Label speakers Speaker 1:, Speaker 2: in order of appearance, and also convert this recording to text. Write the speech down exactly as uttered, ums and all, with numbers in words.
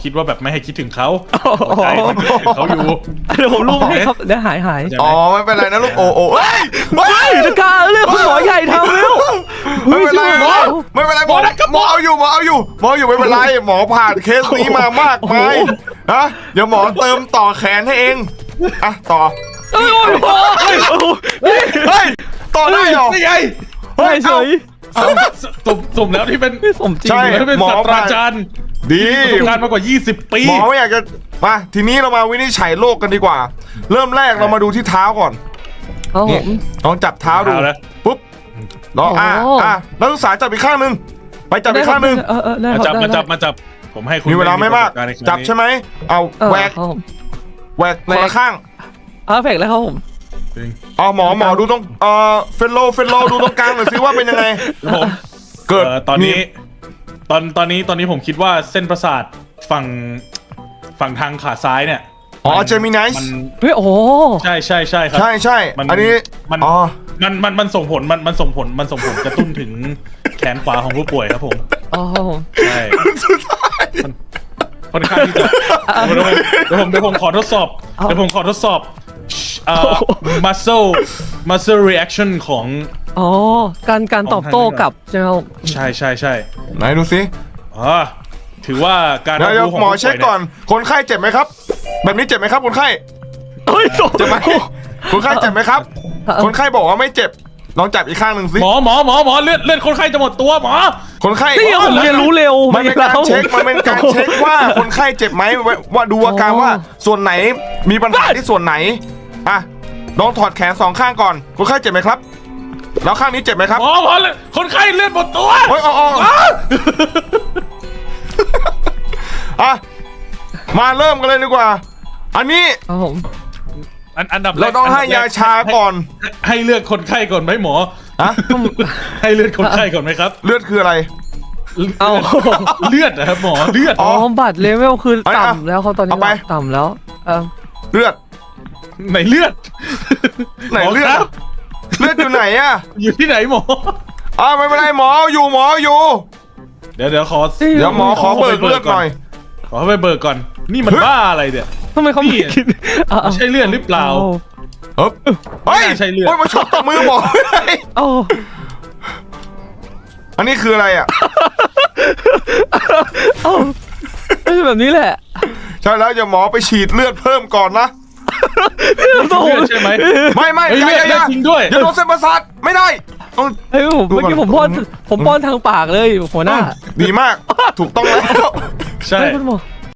Speaker 1: คิดว่าแบบไม่ให้คิดถึงเขาใจเขาอยู่
Speaker 2: เดี๋ยวผมลูบให้ครับเดี๋ยวหายหาย
Speaker 3: อ๋อไม่เป็นไรนะลูกโอ้โอ้เฮ้ยเฮ้ย
Speaker 2: จะกล้าเรียกคุณหมอใหญ่ทำแล้ว
Speaker 3: ไม่เป็นไรหมอไม่เป็นไรหมอหมอเอาอยู่หมอเอาอยู่หมออยู่ไม่เป็นไรหมอผ่านเคสนี้มามากมายนะเดี๋ยวหมอเติมต่อแขนให้เองอ่ะต่อ
Speaker 2: เฮ้ย
Speaker 3: เฮ้ยต่อได้หรอ
Speaker 1: นี่ไง
Speaker 3: เฮ้ยเฉย
Speaker 1: สมสมแล้วที่เป็น
Speaker 2: สมจริง
Speaker 3: ใช่
Speaker 1: ที่เป็นศาสตราจารย์
Speaker 3: ดี
Speaker 1: ประสบการณ์มากกว่ายี่สิบปี
Speaker 3: หมอไม่อยากจะมาทีนี้เรามาวินิจฉัยโรคกันดีกว่า เริ่มแรกเรามาดูที่เท้าก่อน
Speaker 2: ครับผ
Speaker 3: นี่
Speaker 2: ม
Speaker 3: ลองจับเท้าดูปุ๊บลองอ่ะอ่ะนักศึกษาจับอีกข้างหนึ่งไปจับอีกข้างหนึ่ง
Speaker 2: เออเออได้
Speaker 1: มา
Speaker 2: ค
Speaker 1: จั
Speaker 2: รั
Speaker 1: บบ มา
Speaker 2: ได้
Speaker 1: จับมาจับผมให้คุณ
Speaker 3: มีเวลาไม่มากจับใช่ไหมเอาแหวก
Speaker 2: ครับผม
Speaker 3: แหวกคนละข้าง
Speaker 2: อ่าแฝกแล้วครับผม
Speaker 3: เอาหมอหมอดูตรงเอ่อเฟลโลเฟลโลดูตรงกลางหน่อยสิว่าเป็นยังไง
Speaker 1: ผม
Speaker 3: เกิด
Speaker 1: ตอนนี้ ตอนตอนนี้ตอนนี้ผมคิดว่าเส้นประสาทฝั่งฝั่งทางขาซ้ายเนี่ย
Speaker 3: อ๋อเจมินิส
Speaker 1: มัน
Speaker 2: เฮ้ยโอ้
Speaker 1: ใช่ใช่ใช่ครับ
Speaker 3: ใช่ใช่
Speaker 1: มัน
Speaker 3: อันนี้
Speaker 1: มัน
Speaker 3: อ๋อ
Speaker 1: มันมันมันส่งผลมันมันส่งผลมันส่งผลกระตุ้นถึงแขนขวาของผู้ป่วยครับผม
Speaker 2: อ๋อครับผม
Speaker 1: ใช่มันค่อนข้างที่จะเดี๋ยวผมเดี๋ยวผมเดี๋ยวผมขอทดสอบเดี๋ยวผมขอทดสอบเอ่อ muscle muscle reaction ของ
Speaker 2: อ๋อการการตอบโต้กลับใช่ไหมครับ
Speaker 1: ใช่ใช่ใช่
Speaker 3: ไหนดูสิ
Speaker 1: อ๋อถือว่าการ
Speaker 3: เดี๋ยวเดี๋ยว
Speaker 1: รับรู้ของ
Speaker 3: หมอ
Speaker 1: ผู้ป่วย
Speaker 3: เช็คก่อน คนไข้เจ็บไหมครับ แบบนี้เจ็บไหมครับคนไข้
Speaker 2: เฮ้ยตก
Speaker 3: เจ็บไหมคนไข้เจ็บไหมครับ คนไข้บอกว่าไม่เจ็บลองจับอีกข้างหนึ่งสิ
Speaker 1: หมอหมอหมอหมอเลือดเลือดคนไข้จะหมดตัวหมอ
Speaker 3: คนไข้
Speaker 2: นี่ผมเรียนรู้เร็ว
Speaker 3: มันเป็นการเช็คมันเป็นการเช็คว่าคนไข้เจ็บไหมว่าดูอาการว่าส่วนไหนมีปัญหาที่ส่วนไหนอ่ะลองถอดแขนสองข้างก่อนคนไข้เจ็บไหมครับ แล้วข้างนี้เจ็บไหมครับ
Speaker 1: หมอหมอเลือดคนไข้เลือดหมดตัว
Speaker 3: โอ้ยอ๋ออ๋ออ่ะมาเริ่มกันเลยดีกว่า อันนี้
Speaker 2: ครับผม
Speaker 1: อันอันดับแรก
Speaker 3: เราต้องให้ยาชาก่อน
Speaker 1: ให้เลือดคนไข้ก่อนไหมหมอ
Speaker 3: ฮะ
Speaker 1: ให้เลือดคนไข้ก่อนไหมครับ
Speaker 3: เลือดคืออะไร
Speaker 2: เอา
Speaker 1: เลือดนะครับหมอเลือด
Speaker 2: อ๋อบัตรเลเวลคือ
Speaker 3: เอาเอา
Speaker 2: ต่ำแล้วเขาตอนนี้
Speaker 3: เอาไป
Speaker 2: ต่ำแล้วเออ
Speaker 3: เลือด
Speaker 1: ไหนเลือด
Speaker 3: ไหนเลือด
Speaker 1: มครับ
Speaker 3: เลือดอยู่ไหนอะ
Speaker 1: อยู่ที่ไหนหมอ
Speaker 3: อ่าไม่เป็นไรหมออยู่หมออยู่
Speaker 1: เดี๋ยวเดี๋ยวขอ
Speaker 3: เดี๋ยวหมอขอเบิกเลือดหน่อย
Speaker 1: ขอไปเบิกก่อน นี่มันบ้าอะไรเนี่ย
Speaker 2: ทำไมเขาไม่คิดอ่ะ
Speaker 1: ไม่ใช่เลือดหรือเปล่า
Speaker 3: เฮ้ยเฮ้ย
Speaker 1: ไม่น่าใช่เลือด
Speaker 3: โอ้ยมาชกกับมือหมอ
Speaker 2: เอา
Speaker 3: อันนี้คืออะไรอ่ะ
Speaker 2: เอาไม่ใช่แบบนี้แหละ
Speaker 3: ใช่แล้วอย่าหมอไปฉีดเลือดเพิ่มก่อนนะ
Speaker 1: เลือดใช่ไหม
Speaker 3: ไม่ไม่
Speaker 1: เฮ้ย
Speaker 3: อย่าอย่าอย่า
Speaker 1: เลือดจริงด้วย
Speaker 3: อย่าโดนเส้นประสาทไม่ได้ต้อง
Speaker 2: เฮ้ยผม
Speaker 3: ดู
Speaker 2: เมื่อ
Speaker 3: ก่อน
Speaker 2: กี้ผมป้อนผมป้อนทางปากเลยหัวหน้า
Speaker 3: ดีมากถูกต้องแล้ว
Speaker 1: ใช่
Speaker 2: เฮ้ยคุณหมอ